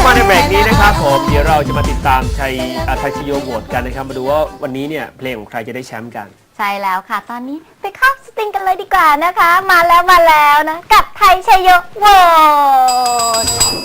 มาในเบรกนี้นะครับผมเดี๋ยวเราจะมาติดตามไทยชโยโหวตกันนะครับมาดูว่าวันนี้เนี่ยเพลงของใครจะได้แชมป์กันใช่แล้วค่ะตอนนี้ไปเข้าสตริงกันเลยดีกว่านะคะมาแล้วนะกับไทยชโยโหวต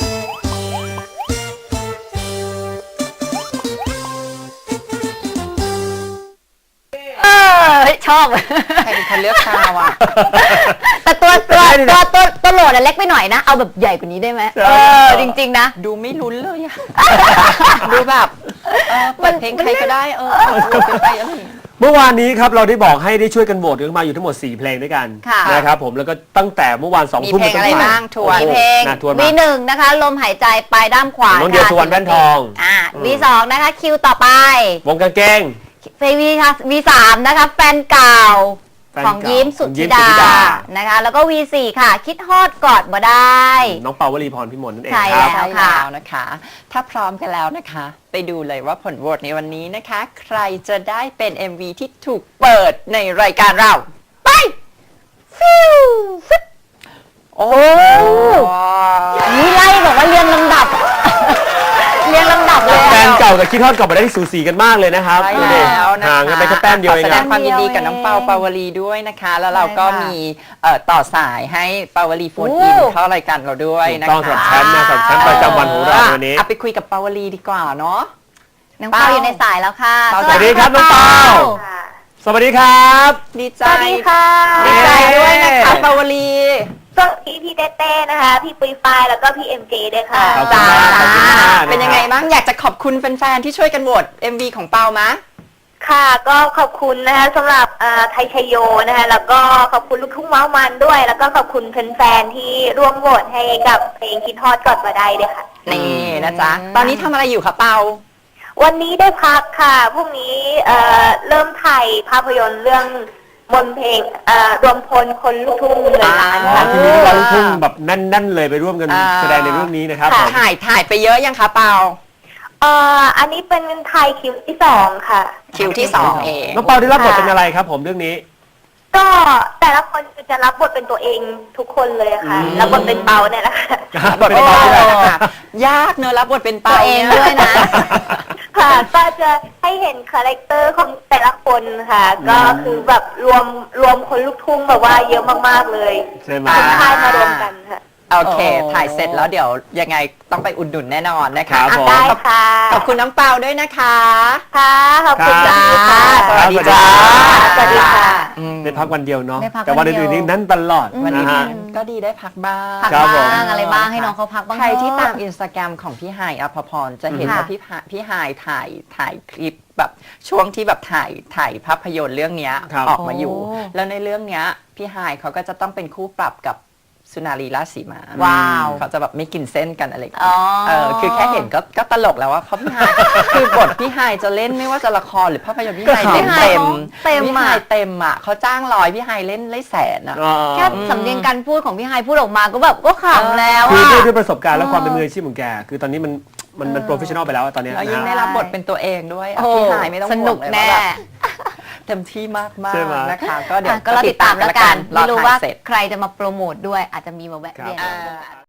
ชอบใครเป็นคนเลือกชาวอ่ะแต่ตัวโหลดเล็กไปหน่อยนะเอาแบบใหญ่กว่านี้ได้ไหมจริงๆนะดูไม่ลุ้นเลยอะดูแบบเปิดเพลงใครก็ได้เป็นไปอะไรเมื่อวานนี้ครับเราได้บอกให้ได้ช่วยกันโหวตกันมาอยู่ทั้งหมด4เพลงด้วยกันนะครับผมแล้วก็ตั้งแต่เมื่อวาน2 ทุ่มมีเพลงอะไรบ้างทวนเพลงV1นะคะลมหายใจปลายด้ามขวาน้องเดียวสุวรรณแว่นทอง V2นะคะคิวต่อไปวงกางเกง V3นะคะแฟนเก่าของยิ้มสุธิดานะคะแล้วก็ V4 ค่ะคิดฮอดกอดบ่ได้น้องเปาวลีพรพิมลนั่นเองครับใช่แล้วนะคะถ้าพร้อมกันแล้วนะคะไปดูเลยว่าผลโหวตในวันนี้นะคะใครจะได้เป็น MV ที่ถูกเปิดในรายการเราไปฟิวโอ้นี่ไล่บอกว่าเรียงลำดับเลยแฟนเก่ากับคิดฮอดกอดบ่ได้ที่สูสีกันมากเลยนะครับใช่แล้วนะคะห่างกันไปแค่แต้มเดียวเองแสดงความยินดีกับน้องเปาปาวลีด้วยนะคะแล้วเราก็มีต่อสายให้ปาวลีโฟนอินเข้ารายการเราด้วยนะคะต้องสำหรับแชมป์นะสำหรับแชมป์ประจำวันของเราวันนี้เอาไปคุยกับปาวลีดีกว่าเนาะน้องเปาอยู่ในสายแล้วค่ะสวัสดีครับน้องเปาสวัสดีครับดีใจสวัสดีค่ะดีใจด้วยนะคะปาวลีก็พี่เต้นะคะพี่ปุ้ยฝ้ายแล้วก็พี่MJด้วยค่ะจ้าเป็นยังไงบ้างอยากจะขอบคุณแฟนๆที่ช่วยกันโหวต MV ของเปามะค่ะก็ขอบคุณนะคะสำหรับไทยชโยนะคะแล้วก็ขอบคุณลูกทุ่งเมามันด้วยแล้วก็ขอบคุณแฟนๆที่ร่วมโหวตให้กับเพลงคิดฮอดกอดบ่ได้ด้วยค่ะนี่นะจ๊ะตอนนี้ทำอะไรอยู่คะเปาวันนี้ได้พักค่ะพรุ่งนี้เริ่มถ่ายภาพยนตร์เรื่องบนเพลงรวมพลคนลูกทุ่งเงินล้านค่ะทีนี้เราลูกทุ่งแบบแน่นๆเลยไปร่วมกันแสดงในเรื่องนี้นะครับถ่ายไปเยอะยังคะเปาอันนี้เป็นไทยคิวที่2ค่ะคิวที่2เองน้องเปาได้รับบทเป็นอะไรครับผมเรื่องนี้ก็แต่ละคนจะรับบทเป็นตัวเองทุกคนเลยค่ะรับบทเป็นเปาเนี่ยแหละค่ะบทเป็นเปายากเนอะรับบทเป็นเปาเองด้วยนะค่ะก็จะให้เห็นคาแรคเตอร์ของแต่ละคนค่ะก็คือแบบรวมคนลูกทุ่งแบบว่าเยอะมากๆเลยใช่ไหมคนค่ายมารวมกันค่ะโอเคถ่ายเสร็จแล้วเดี๋ยวยังไงต้องไปอุดหนุนแน่นอนนะคะได้ค่ะขอบคุณน้องเปาด้วยนะคะค่ะขอบคุณค่ะสวัสดีจ้าสวัสดีค่ะได้พักวันเดียวเนาะแต่วันอื่นๆนี่นั่นตลอดวันนี้ก็ดีได้พักบ้างอะไรบ้างให้น้องเขาพักบ้างใครที่ตามอินสตาแกรมของพี่ไฮอภพรจะเห็นว่าพี่ไฮถ่ายคลิปแบบช่วงที่แบบถ่ายภาพยนตร์เรื่องนี้ออกมาอยู่แล้วในเรื่องนี้พี่ไฮเขาก็จะต้องเป็นคู่ปรับกับสุนารีราชสีมาว้าวเขาจะแบบไม่กินเส้นกันอะไรคือแค่เห็นก็ตลกแล้วว่าเขาพี่ไฮคือบทพี่ไฮจะเล่นไม่ว่าจะละครหรือภาพยนตร์พี่ไฮเต็มพี่ไฮเต็มอ่ะเขาจ้าง100พี่ไฮเล่นได้100,000อ่ะแค่สำเนียงการพูดของพี่ไฮพูดออกมาก็แบบก็ขำแล้วคือด้วยประสบการณ์และความเป็นมืออาชีพของแกคือตอนนี้มันโปรเฟชชั่นอลไปแล้วตอนนี้ยิ่งได้รับบทเป็นตัวเองด้วยพี่ไฮไม่ต้องสนุกแน่เต็มที่มากๆนะคะก็เดี๋ยวก็ติดตามแล้วกันไม่รู้ว่าใครจะมาโปรโมทด้วยอาจจะมีมาแวะเวียน